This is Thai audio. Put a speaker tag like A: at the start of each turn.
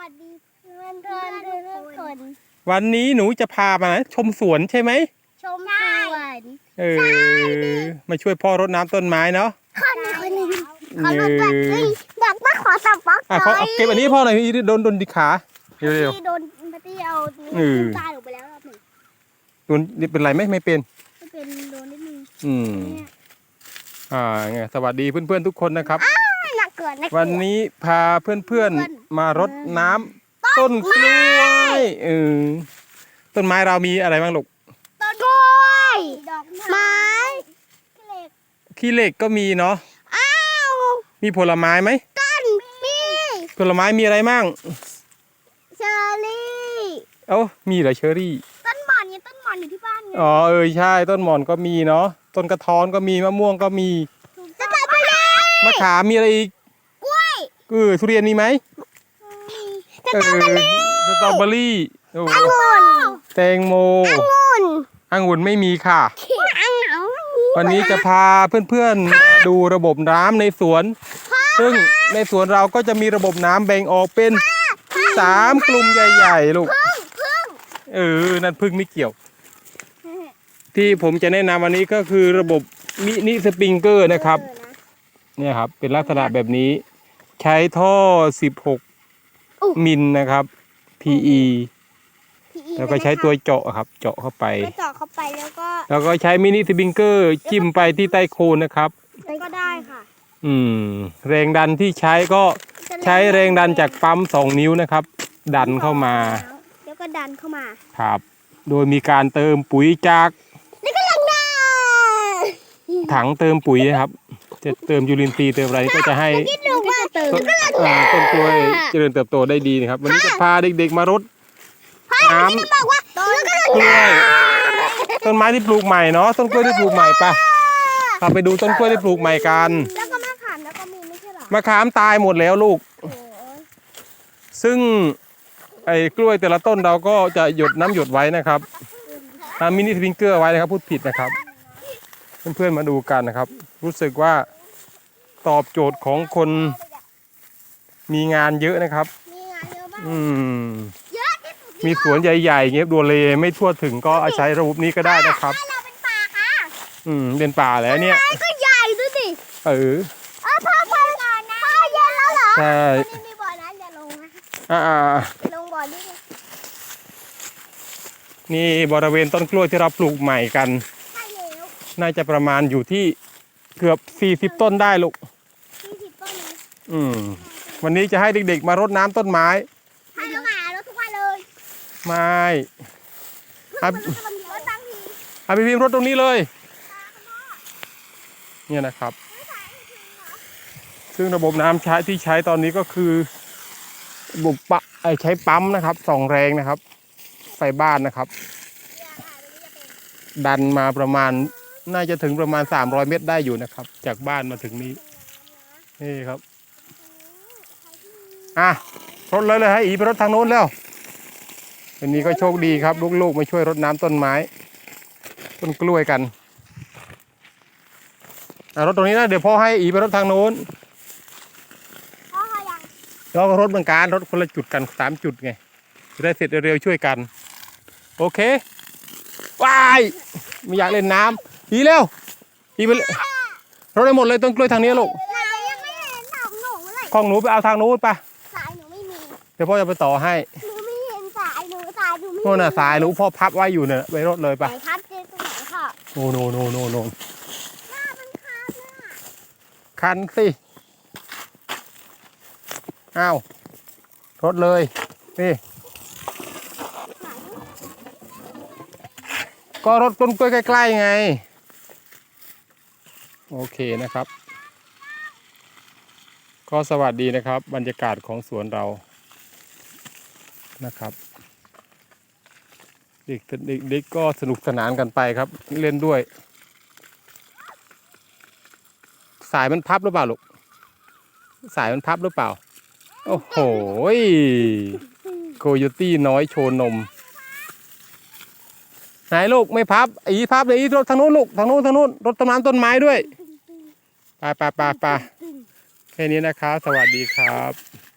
A: สดีเพื่อนทุกคน
B: วันนี้หนูจะพามาชมสวนใช่ไหม
A: ชมสวน
B: มาช่วยพ่อรดน้ำต้นไม้เนาะ
A: คนหนึ่งขอรถแบบนี้บอกว่าขอสับปอก
B: เขาเก็บอันนี้พ่อหน่อยโดนดิขาเร็ว
A: ๆโดนปฏิเอาตายลงไปแล้วรอบหนึ่ง
B: โดนเป็นไรไหมไม่เป็น
A: โดนนิดนึง
B: ไงสวัสดีเพื่อนๆทุกคนนะครับ
A: หนักเกิน
B: วันนี้พาเพื่อนๆมารดน้ำต้นกล้วยต้นไม้เรามีอะไรบ้างลูก
A: ต้นกล้วยดอกไม้
B: ขี้เหล็กก็มีเนาะมีผลไม้ไหม
A: มี
B: ผลไม้มีอะไรบ้าง
A: เชอร์รี่
B: มีเหรอเชอร์รี่
A: ต้นหม่อนอยู่ที่บ้านไง
B: ใช่ต้นหม่อนก็มีเนาะต้นกระท้อนก็มีมะม่วงก็มี
A: จะตัดไปเลย
B: มะขามมีอะไรอีก
A: กล้วย
B: ทุเรียนมีไหมสตรอเบอรี่แตงโมองุ่นไม่มีค่ะวันนี้จะพาเพื่อนๆดูระบบน้ำในสวนซึ่งในสวนเราก็จะมีระบบน้ำแบ่งออกเป็น3กลุ่มใหญ่ๆลูกนั่นพึ่งไม่เกี่ยวที่ผมจะแนะนำวันนี้ก็คือระบบมินิสปริงเกอร์นะครับเนี่ยครับเป็นลักษณะแบบนี้ใช้ท่อ16มิลนะครับ PE แล้วก็ใช้ตัวเจาะครับเจาะเข้าไปแล้วก็ใช้มินิสปริงเกอร์จิ้มไปที่ใต้โคนนะครับ
A: ก็ได้ค่ะ
B: แรงดันที่ใช้ก็ใช้แรงดันจากปั๊ม2 นิ้วนะครับดันเข้ามา
A: แล้วก็ดันเข้ามา
B: ครับโดยมีการเติมปุ๋ยจากถังเติมปุ๋ยนะครับจะเติมยูรินทรีย์เติมอะไรก็จะให้ต้นกล้วยเจริญเติบโตได้ดีนะครับวันนี้จะพาเด็กๆมารดน้ำกล้วยต้นไม้ที่ปลูกใหม่เนาะต้นกล้วยที่ปลูกใหม่ปะพาไปดูต้นกล้วยที่ปลูกใหม่กัน
A: แล้วก็มะขามแล้วก็มีไม่ใช่หรอ
B: มะขามตายหมดแล้วลูกซึ่งไอ้กล้วยแต่ละต้นเราก็จะหยดน้ำหยดไว้นะครับทำมินิสปริงเกอร์ไว้นะครับพูดผิดนะครับเพื่อนๆมาดูกันนะครับรู้สึกว่าตอบโจทย์ของคนมีงานเยอะนะครับมีสวนใหญ่ๆเงี้ยดูเลไม่ทั่วถึงก็อาศัยระบบนี้ก็ได้นะครับ
A: เราเป็นป่าค่ะ
B: เป็นป่าแล้วเนี่ย
A: ก็ใหญ่ดูสิพ่อเย็นแล้วเหรอ
B: ใช่
A: มีบ่อน้ำอย่าลงนะลงบ่อ
B: นี่บริเวณต้นกล้วยที่เราปลูกใหม่กันน่าจะประมาณอยู่ที่เกือบ40 ต้นได้ลูก
A: 40 ต้น
B: วันนี้จะให้เด็กๆมารดน้ำต้นไม้
A: ให้รดทุกวันเลย
B: ไม่พี่พิมพ์รดตรงนี้เลยเนี่ยนะครับซึ่งระบบน้ำที่ใช้ตอนนี้ก็คือระบบใช้ปั๊มนะครับ2 แรงนะครับไฟบ้านนะครับดันมาประมาณน่าจะถึงประมาณ300 เมตรได้อยู่นะครับจากบ้านมาถึงนี้นี่ครับรดเลยให้อีไปรดทางโน้นแล้ววันนี้ก็โชคดีครับลูกๆมาช่วยรดน้ำต้นไม้ต้นกล้วยกันรถตรงนี้นะเดี๋ยวพ่อให้อีไปรถทางโน้นแล้วก็รถเหมือนกันรถคนละจุดกัน3 จุดไงจะได้เสร็จเร็วๆช่วยกันโอเคว้ายไม่อยากเล่นน้ำอีเร็วอีไปรถได้หมดเลยต้นกล้วยทางนี้ลูกของหนูไปเอาทางโน้นไป
A: สายหนูไม่มี
B: เดี๋ยวพ่อจะไปต่อให้
A: หนูไม่เห็นสายหนู
B: โน่นน่ะสายหนูพ่อพับไว้อยู่เนี่ยไปรถเลยไป
A: พับเจอตรงไหนค่ะ
B: โน่
A: มัน
B: คันสิรถเลยนี่ก็รถต้นกล้วยใกล้ๆไงโอเคนะครับก็สวัสดีนะครับบรรยากาศของสวนเรานะครับเด็กก็สนุกสนานกันไปครับเล่นด้วยสายมันพับหรือเปล่าลูกสายมันพับหรือเปล่าโอ้โหโคโยตี้น้อยโชว์นมไหนลูกไม่พับพับเลยรถทางนู้นลูกทางนู้นรถต้นไม้ด้วยไปแค่นี้นะครับสวัสดีครับ